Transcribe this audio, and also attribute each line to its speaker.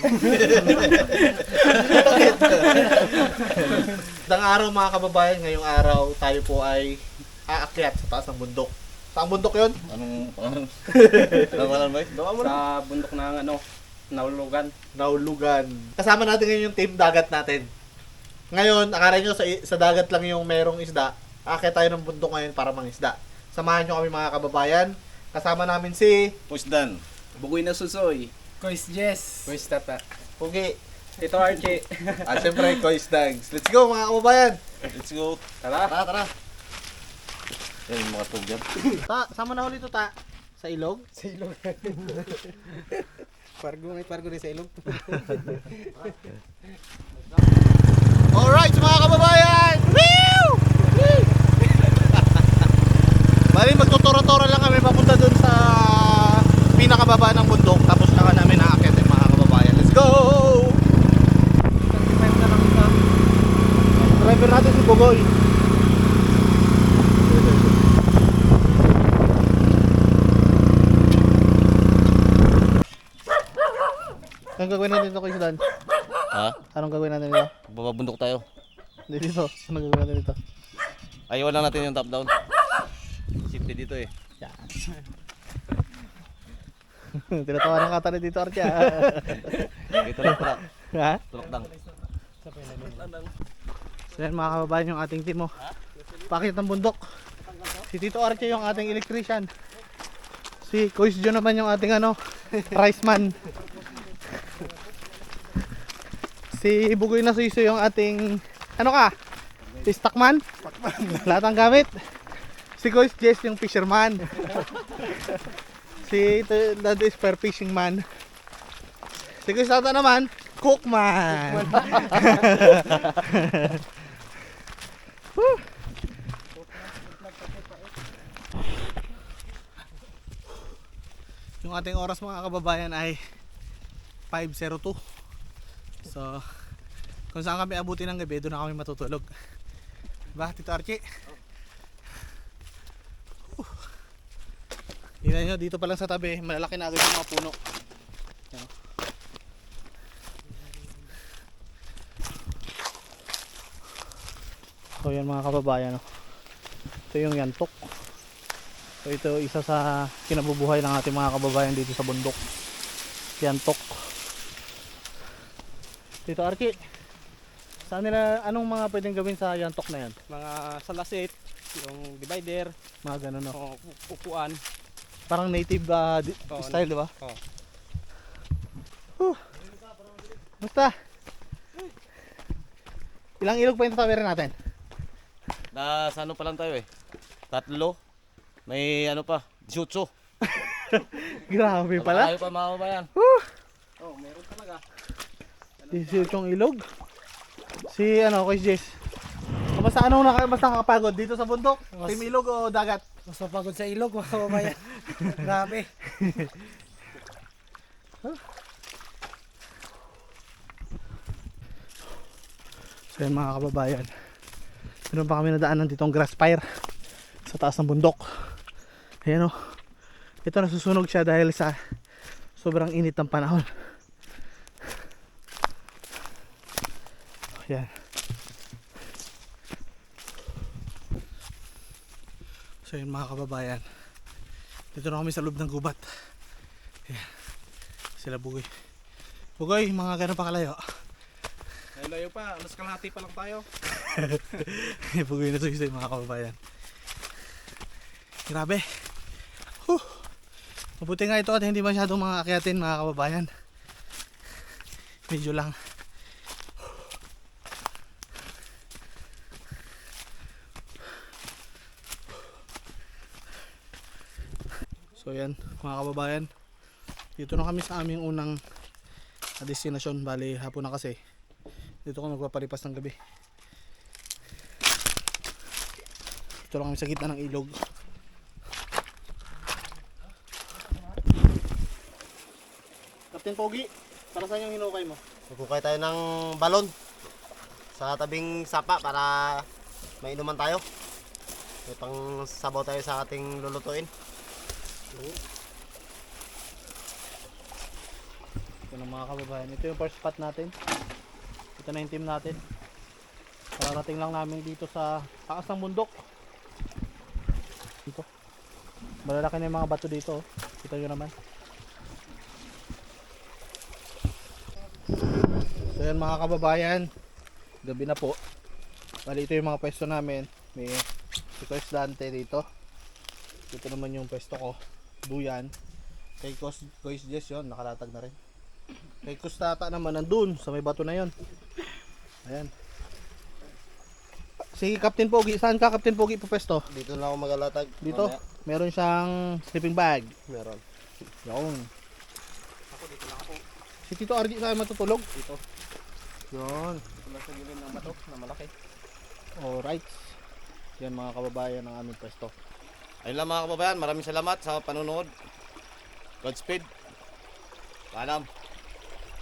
Speaker 1: Dang araw mga kababayan, ngayong araw tayo po ay aakyat sa taas ng bundok. Saan bundok yun?
Speaker 2: Anong pangalan ba?
Speaker 1: Gawa mo na.
Speaker 3: Sa bundok ng Naulugan.
Speaker 1: Naulugan. Kasama natin ngayon yung team dagat natin. Ngayon, akala nyo sa dagat lang yung merong isda. Aakyat tayo ng bundok ngayon para mangisda. Samahan nyo kami mga kababayan. Kasama namin si
Speaker 2: Pusdan.
Speaker 3: Bugoy na susoy.
Speaker 4: Kois Jess.
Speaker 3: Kois Tata.
Speaker 1: Pugi.
Speaker 3: Ito Archie.
Speaker 1: At syempre, Kois Dags. Let's go mga kababayan.
Speaker 2: Let's go.
Speaker 3: Tara.
Speaker 1: Tara.
Speaker 2: Yan yung mga tugyan.
Speaker 1: Ta, sama na ulit ito ta. Sa ilog.
Speaker 4: Sa ilog. Pargo rin sa ilog.
Speaker 1: Alright mga kababayan! Woo! Bali magtuturo-turo lang kami papunta dun sa pinakababa ng bundok. Tapos saka namin naakit yung mga kababayan. Let's go! Driver natin si Bugoy. Anong gagawin natin dito kay Sudan?
Speaker 2: Ha?
Speaker 1: Anong gagawin natin dito?
Speaker 2: Bababundok tayo.
Speaker 1: Dito. Anong gagawin natin dito?
Speaker 2: Ayaw lang natin yung top down. Safety dito eh.
Speaker 1: Tinatawanan ka tayo dito, Archie.
Speaker 2: Ito lang tulak.
Speaker 1: Ha?
Speaker 2: Tulak lang.
Speaker 1: So yan mga kababayan yung ating team. Pakit ng bundok. Si Tito Archie yung ating electrician. Si Coach John naman yung ating rice man. Si Bugoy na Suiso yung ating si stockman. Lahat ng gamit. Si Coach Jess yung fisherman. Si Dad is fair fishing man. Si Coach Tata naman, cookman. Woo! Yung ating oras mga kababayan ay 5:02. So, kung saan kami abutin ng gabi, doon na kami matutulog. Diba, Tito Archie? Tingnan nyo, dito pa lang sa tabi, malalaki na agad yung mga puno. Yan. So yan mga kababayan, ito yung yantok. So ito isa sa kinabubuhay ng ating mga kababayan dito sa bundok. Yantok. Tito Archie, saan nila, anong mga pwedeng gawin sa yantok na yan?
Speaker 3: Mga salasit, yung divider,
Speaker 1: Mga ganun, no?
Speaker 3: o upuan.
Speaker 1: Parang native style, di ba?
Speaker 3: Oo.
Speaker 1: Basta. Ilang ilog pa yung tatawirin natin?
Speaker 2: Sa ano pa lang tayo eh. 3. May ano pa. 18.
Speaker 1: Grabe pala.
Speaker 2: Ayaw pa mga kabayan.
Speaker 3: Oh, meron talaga.
Speaker 1: 18 ilog. Si Coach Jess. Basta mas nakakapagod dito sa bundok? Team ilog o dagat?
Speaker 4: Mas mapagod sa ilog, mga kababayan. Grabe.
Speaker 1: So yan mga kababayan, meron pa kami nadaanan ditong grass fire sa taas ng bundok. Ayan o, ito nasusunog siya dahil sa sobrang init ng panahon. Ayan. So yun mga kababayan, dito na kami sa loob ng gubat. Ayan. Sila Bugoy. Bugoy, mga gano'n pa kalayo?
Speaker 3: Layo pa, alas kalahati pa lang tayo.
Speaker 1: Bugoy na suisay mga kababayan. Grabe. Mabuti nga ito at hindi masyadong mga akyatin mga kababayan. Medyo lang. So yan mga kababayan, dito na kami sa aming unang destinasyon. Bali hapon na kasi, dito kami magpapalipas ng gabi. Dito lang kami sa gitna ng ilog. Captain Pogi, para saan yung hinukay mo?
Speaker 5: Magkukay tayo ng balon sa tabing sapa para mainuman tayo. May pang sabaw tayo sa ating lulutuin.
Speaker 1: Ito naman mga kababayan, ito yung first spot natin. Ito na yung team natin. Kararating lang namin dito sa taas ng bundok. Dito. Malalaki na yung mga bato dito. Oh. Kita nyo naman. So yan mga kababayan, gabi na po. Bali ito yung mga pwesto namin. May si Coach Dante dito. Ito naman yung pwesto ko. Duyan. Kay Coach Jess yun, nakalatag na rin. Kay Coach Tata naman nandun sa may bato na yun. Ayan. Si Captain Pogi, saan ka Captain Pogi po pwesto?
Speaker 5: Dito na ako magalatag.
Speaker 1: Dito?
Speaker 5: Mamaya.
Speaker 1: Meron siyang sleeping bag.
Speaker 5: Meron.
Speaker 1: Yun.
Speaker 3: Ako dito lang ako.
Speaker 1: Si Tito Argy saan matutulog?
Speaker 3: Dito.
Speaker 1: Yun.
Speaker 3: Wala sa gilid ng bato na malaki.
Speaker 1: Alright. Yan mga kababayan ng aming pwesto.
Speaker 2: Ayun lang mga kababayan, maraming salamat sa panonood. Godspeed. Paalam.